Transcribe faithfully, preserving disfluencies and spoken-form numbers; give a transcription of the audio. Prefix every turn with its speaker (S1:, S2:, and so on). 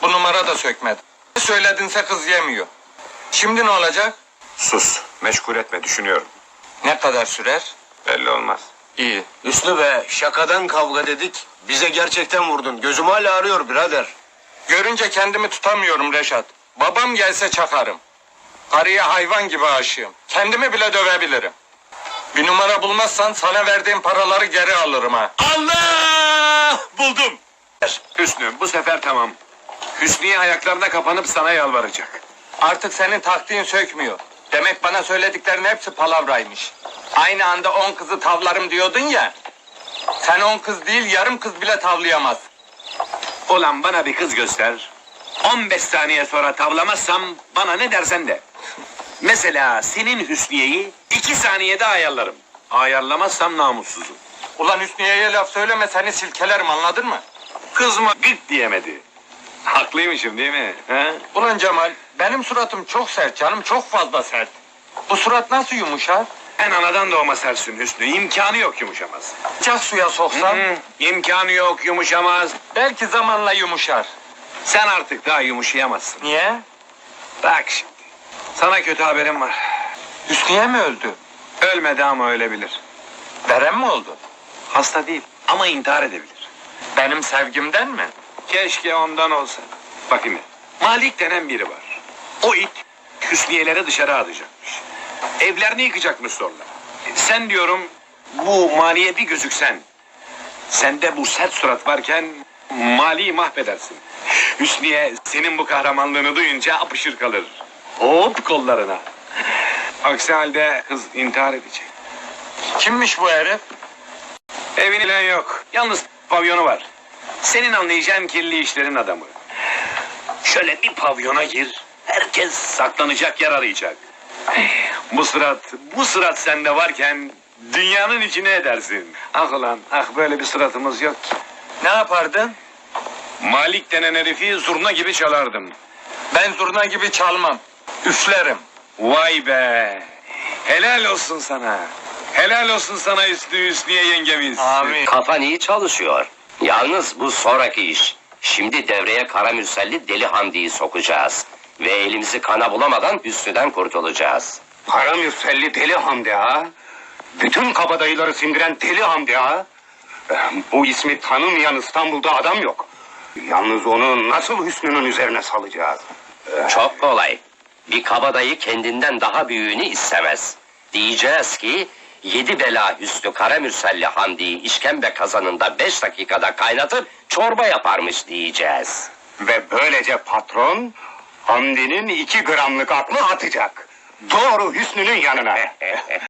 S1: Bu numara da sökmedi. Ne söyledinse kız yemiyor. Şimdi ne olacak?
S2: Sus, meşgul etme, düşünüyorum.
S1: Ne kadar sürer?
S2: Belli olmaz.
S1: İyi.
S3: Hüsnü be, şakadan kavga dedik. Bize gerçekten vurdun. Gözüm hala ağrıyor birader.
S1: Görünce kendimi tutamıyorum Reşat. Babam gelse çakarım. Karıya hayvan gibi aşığım. Kendimi bile dövebilirim. Bir numara bulmazsan sana verdiğim paraları geri alırım ha.
S2: Allah! Buldum! Hüsnü, bu sefer tamam. Hüsniye ayaklarına kapanıp sana yalvaracak.
S1: Artık senin taktiğin sökmüyor. Demek bana söylediklerin hepsi palavraymış. Aynı anda on kızı tavlarım diyordun ya. Sen on kız değil yarım kız bile tavlayamaz.
S2: Ulan bana bir kız göster. on beş saniye sonra tavlamazsam bana ne dersen de. Mesela senin Hüsniye'yi iki saniyede ayarlarım. Ayarlamazsam namussuzum.
S1: Ulan Hüsniye'ye laf söyleme seni silkelerim anladın mı?
S2: Kızma gık diyemedi. Haklıymışım değil mi? He?
S1: Ulan Cemal benim suratım çok sert canım çok fazla sert. Bu surat nasıl yumuşar?
S2: En anadan doğma sersin Hüsnü. İmkanı yok yumuşamaz.
S1: Sıcak suya soksam
S2: Hı, imkanı yok yumuşamaz.
S1: belki zamanla yumuşar.
S2: Sen artık daha yumuşayamazsın.
S1: Niye?
S2: Bak şimdi. Sana kötü haberim var.
S1: Hüsniye mi öldü?
S2: Ölmedi ama ölebilir.
S1: Verem mi oldu?
S2: Hasta değil ama intihar edebilir.
S1: Benim sevgimden mi?
S2: Keşke ondan olsa. Bakayım. Malik denen biri var. O it Hüsniyeleri dışarı atacakmış. Evlerini yıkacakmış sonra. Sen diyorum bu Mali'ye bir gözüksen. Sende bu sert surat varken Mali'yi mahvedersin. Hüsniye senin bu kahramanlığını duyunca apışır kalır. Hop kollarına. Aksi halde kız intihar edecek.
S1: Kimmiş bu herif?
S2: Evin ile yok. Yalnız pavyonu var. Senin anlayacağın kirli işlerin adamı. Şöyle bir pavyona gir. Herkes saklanacak yer arayacak. Bu sırat, bu sırat sende varken dünyanın içine edersin. Ah ulan, ah böyle bir sıratımız yok ki.
S1: Ne yapardın?
S2: Malik denen herifi zurna gibi çalardım.
S1: Ben zurna gibi çalmam. Üflerim.
S2: Vay be! Helal olsun sana. Helal olsun sana Hüsnü Hüsniye yengemiz.
S1: Amin.
S4: Kafan iyi çalışıyor. Yalnız bu sonraki iş. Şimdi devreye Karamürselli Deli Hamdi'yi sokacağız. Ve elimizi kana bulamadan Hüsnü'den kurtulacağız.
S5: Karamürselli Deli Hamdi ha? Bütün kabadayıları sindiren Deli Hamdi ha? Bu ismi tanımayan İstanbul'da adam yok. Yalnız onu nasıl Hüsnü'nün üzerine salacağız?
S4: Çok kolay. Bir kabadayı kendinden daha büyüğünü istemez. Diyeceğiz ki yedi bela Hüsnü Karamürselli Hamdi'yi işkembe kazanında beş dakikada kaynatıp çorba yaparmış diyeceğiz.
S5: Ve böylece patron Hamdi'nin iki gramlık aklı atacak. Doğru Hüsnü'nün yanına.